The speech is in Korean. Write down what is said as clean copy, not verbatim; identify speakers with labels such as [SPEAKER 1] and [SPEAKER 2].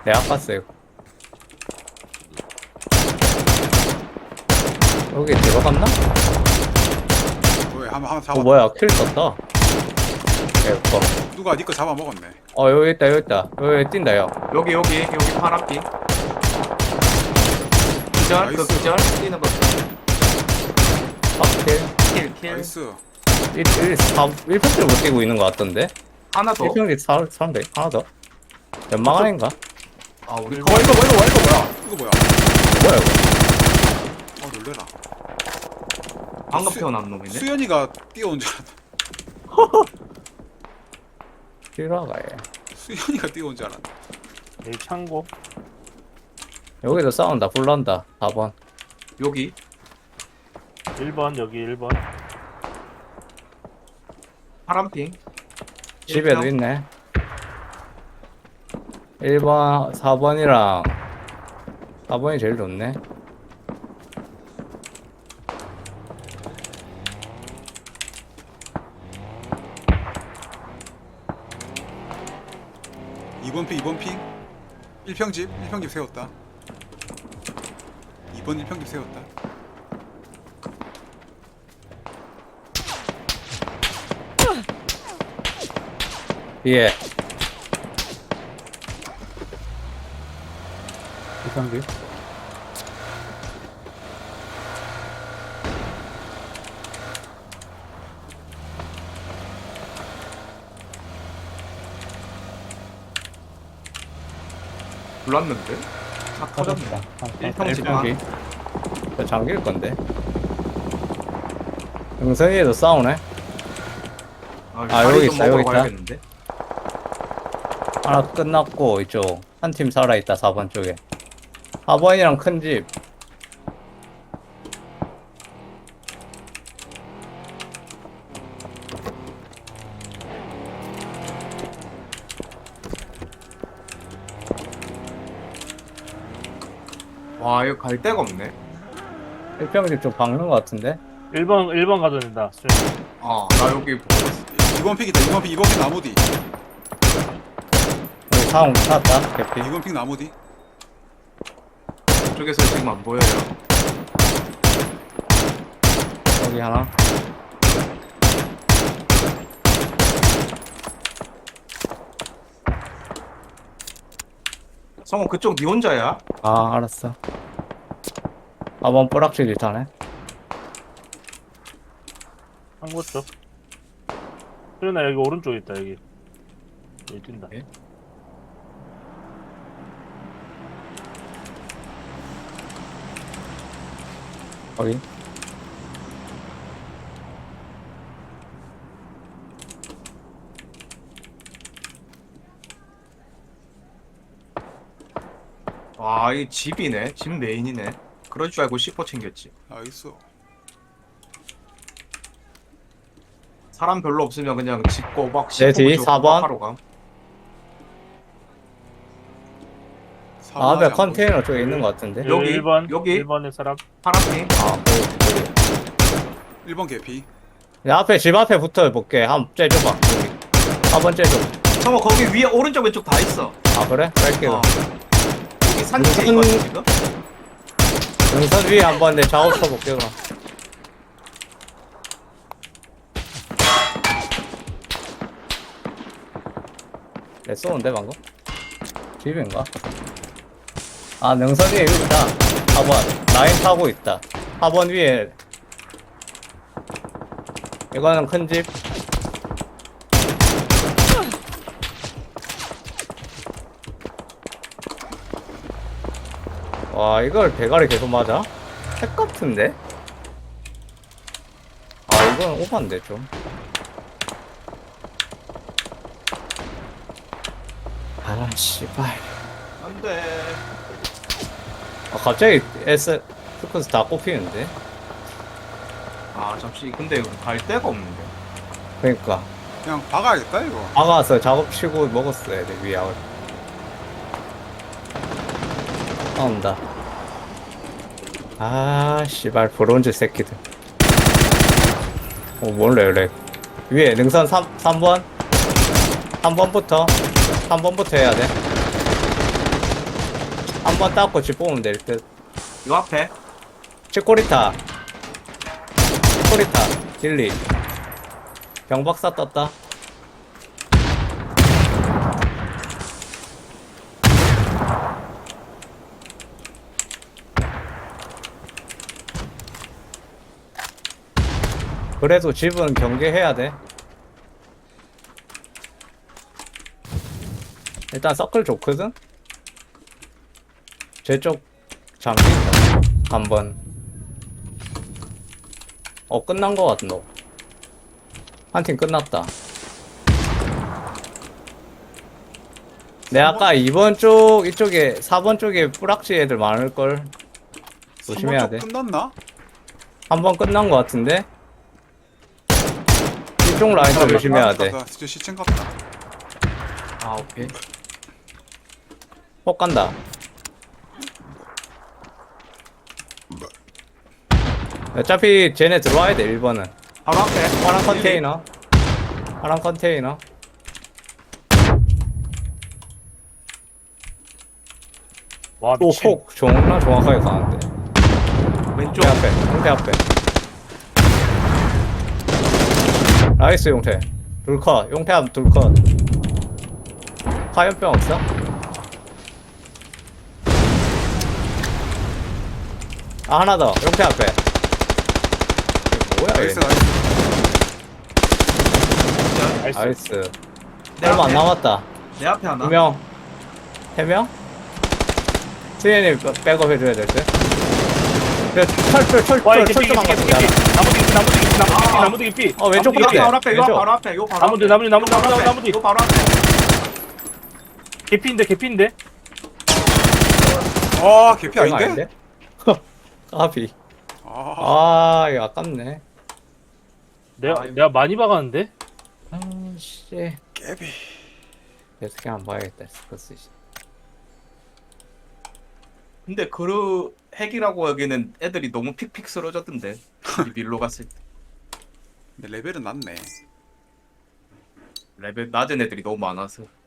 [SPEAKER 1] 내가 깠어요. 여기 들어갔나?
[SPEAKER 2] 왜 한번 잡아.
[SPEAKER 1] 뭐야, 킬 떴다. 예뻐.
[SPEAKER 2] 누가 니거 잡아먹었네.
[SPEAKER 1] 여기 있다, 여기 있다. 여기 뛴다, 요.
[SPEAKER 3] 여기 파란빛. 기절, 그
[SPEAKER 2] 나이스.
[SPEAKER 3] 기절 뛰는 거.
[SPEAKER 1] 확킬.
[SPEAKER 3] 킬.
[SPEAKER 2] 나이스.
[SPEAKER 1] 1평지를 못 뛰고 있는 것 같던데?
[SPEAKER 3] 하나 더.
[SPEAKER 1] 1평지 사람 돼? 하나 더? 연막 안인가?
[SPEAKER 3] 아 우리
[SPEAKER 2] 이거
[SPEAKER 3] 이거 뭐야?
[SPEAKER 2] 이거 뭐야?
[SPEAKER 1] 뭐야, 이거?
[SPEAKER 2] 놀래라.
[SPEAKER 3] 방금
[SPEAKER 2] 수-
[SPEAKER 3] 태어난 놈이네.
[SPEAKER 2] 수연이가 뛰어온 줄 알았다.
[SPEAKER 1] 들어가, 얘.
[SPEAKER 2] 수연이가 뛰어온 줄 알았다.
[SPEAKER 4] 여기 창고.
[SPEAKER 1] 여기도 싸운다, 불난다. 4번.
[SPEAKER 3] 여기
[SPEAKER 4] 1번 여기 1번.
[SPEAKER 3] 파란핑.
[SPEAKER 1] 집에도 있네. 1번, 4번이랑 4번이 제일 좋네.
[SPEAKER 2] 이번 핑 1평집 세웠다. 2번 1평집 세웠다.
[SPEAKER 1] 예.
[SPEAKER 4] 이상기.
[SPEAKER 3] 불났는데? 차 터졌네. 1평지 반.
[SPEAKER 1] 1평지. 저 잠길 건데. 영선이에도 싸우네. 여기 있다, 여기 있다.
[SPEAKER 3] 가야겠는데?
[SPEAKER 1] 하나 끝났고, 이쪽. 한 팀 살아있다, 4번 쪽에. 4번이랑 큰 집.
[SPEAKER 3] 와 이거 갈 데가 없네.
[SPEAKER 1] 1평집 쪽 박는 것 같은데?
[SPEAKER 4] 1번 가도 된다.
[SPEAKER 3] 나 여기 보고 있어.
[SPEAKER 2] 2번 픽 있다. 2번 픽 나무 뒤.
[SPEAKER 1] 여기 사람 찾았다, 개피.
[SPEAKER 2] 2번 픽 나무 뒤.
[SPEAKER 3] 쪽에서 지금 안 보여요.
[SPEAKER 1] 여기 하나.
[SPEAKER 3] 성호 그쪽 니 혼자야?
[SPEAKER 1] 알았어. 4번 뿌락질 타네.
[SPEAKER 4] 창고 쪽. 수연아 여기 오른쪽에 있다 여기. 여기 뛴다.
[SPEAKER 3] 예?
[SPEAKER 1] 거기.
[SPEAKER 3] 와, 이 집이네. 집 메인이네. 그럴 줄 알고 C4 챙겼지.
[SPEAKER 2] 나이스.
[SPEAKER 3] 사람 별로 없으면 그냥 짓고 막
[SPEAKER 1] 내 뒤,
[SPEAKER 3] C4
[SPEAKER 1] 4번.
[SPEAKER 3] 하러 감.
[SPEAKER 1] 앞에 컨테이너 쪽에 있는 것 같은데?
[SPEAKER 3] 여기,
[SPEAKER 4] 1번.
[SPEAKER 3] 여기.
[SPEAKER 4] 1번의 사람.
[SPEAKER 3] 파란핑.
[SPEAKER 1] 거기.
[SPEAKER 2] 1번 개피.
[SPEAKER 1] 야, 앞에, 집 앞에 붙어볼게. 한번 째줘봐. 여기. 4번 째줘.
[SPEAKER 3] 성호 거기 위에 오른쪽 왼쪽 다 있어.
[SPEAKER 1] 그래? 뺄게.
[SPEAKER 3] 어. 여기 산 밑에
[SPEAKER 1] 무슨-
[SPEAKER 3] 있거든 지금.
[SPEAKER 1] 능선 위에 한번 내 작업 쳐볼게, 그럼. 내 쏘는데, 방금? 집인가? 능선 위에 여기 있다. 4번. 라인 타고 있다. 4번 위에. 이거는 큰 집. 와, 이걸 대가리 계속 맞아? 핵 같은데? 이건 오반데, 좀. 씨발.
[SPEAKER 3] 안돼.
[SPEAKER 1] 갑자기 스쿠스 다 꼽히는데?
[SPEAKER 3] 잠시 근데 이거 갈 데가 없는데.
[SPEAKER 1] 그니까.
[SPEAKER 2] 그냥 박아야겠다 이거.
[SPEAKER 1] 박아서 작업치고 먹었어야 돼, 위약을. 나온다. 씨발, 브론즈 새끼들. 몰래. 위에 능선 3번? 3번부터 해야 돼. 4번 닦고 집 보면 될 듯.
[SPEAKER 3] 요 앞에.
[SPEAKER 1] 치코리타. 치코리타. 딜리. 경박사 떴다. 그래도 집은 경계해야 돼. 일단 서클 좋거든? 제쪽 잠시 있다. 한번. 끝난 거 같은 너. 한 팀 끝났다. 내 아까 2번 쪽, 이쪽에, 4번 쪽에 뿌락지 애들 많을걸. 조심해야 돼.
[SPEAKER 2] 끝났나?
[SPEAKER 1] 한 번 끝난 거 같은데? 이쪽 라인도 조심해야 돼.
[SPEAKER 2] 진짜 시청 같다.
[SPEAKER 3] 아, 오케이.
[SPEAKER 1] 폭 간다. 어차피 쟤네 들어와야 돼, 1번은.
[SPEAKER 3] 바로 앞에.
[SPEAKER 1] 파란 컨테이너. 파란 컨테이너.
[SPEAKER 4] 와
[SPEAKER 1] 또
[SPEAKER 4] 미친.
[SPEAKER 1] 폭 존나 정확하게 가는데.
[SPEAKER 3] 왼쪽.
[SPEAKER 1] 용태 앞에, 용태 앞에. 나이스, 용태. 둘컷, 용태 앞 둘컷. 화염병 없어? 아, 하나 더. 용태 앞에. 이게 뭐야,
[SPEAKER 2] 나이스
[SPEAKER 1] 얘.
[SPEAKER 2] 나이스.
[SPEAKER 4] 나이스.
[SPEAKER 1] 나이스.
[SPEAKER 3] 내
[SPEAKER 1] 얼마 안
[SPEAKER 3] 앞에.
[SPEAKER 1] 남았다.
[SPEAKER 3] 내 앞에 하나.
[SPEAKER 1] 2명. 3명? 수현이 백업 해줘야 될 듯. 그래,
[SPEAKER 4] 와 이게
[SPEAKER 1] 철조망 같은 게 하나.
[SPEAKER 4] 나무 뒤 깊이.
[SPEAKER 1] 왼쪽
[SPEAKER 3] 요
[SPEAKER 1] 끝에.
[SPEAKER 3] 바로 앞에. 요
[SPEAKER 1] 왼쪽.
[SPEAKER 3] 바로 앞에. 요 바로
[SPEAKER 4] 나무 뒤,
[SPEAKER 3] 앞에.
[SPEAKER 4] 나무 뒤, 나무 뒤,
[SPEAKER 3] 요 바로
[SPEAKER 4] 나무 뒤,
[SPEAKER 3] 앞에.
[SPEAKER 4] 나무 뒤.
[SPEAKER 3] 요 바로 앞에.
[SPEAKER 4] 개피인데
[SPEAKER 2] 아 개피 아닌데?
[SPEAKER 1] 까비.
[SPEAKER 2] 아,
[SPEAKER 1] 이거 아깝네.
[SPEAKER 4] 내가 많이 박았는데.
[SPEAKER 1] 씨.
[SPEAKER 2] 깨비.
[SPEAKER 1] 계속 그냥 봐야겠다. 스커스.
[SPEAKER 3] 근데 그 핵이라고 여기는 애들이 너무 픽픽 쓰러졌던데. 우리 밀로 갔을 때.
[SPEAKER 2] 근데 레벨은 낮네.
[SPEAKER 3] 레벨 낮은 애들이 너무 많아서.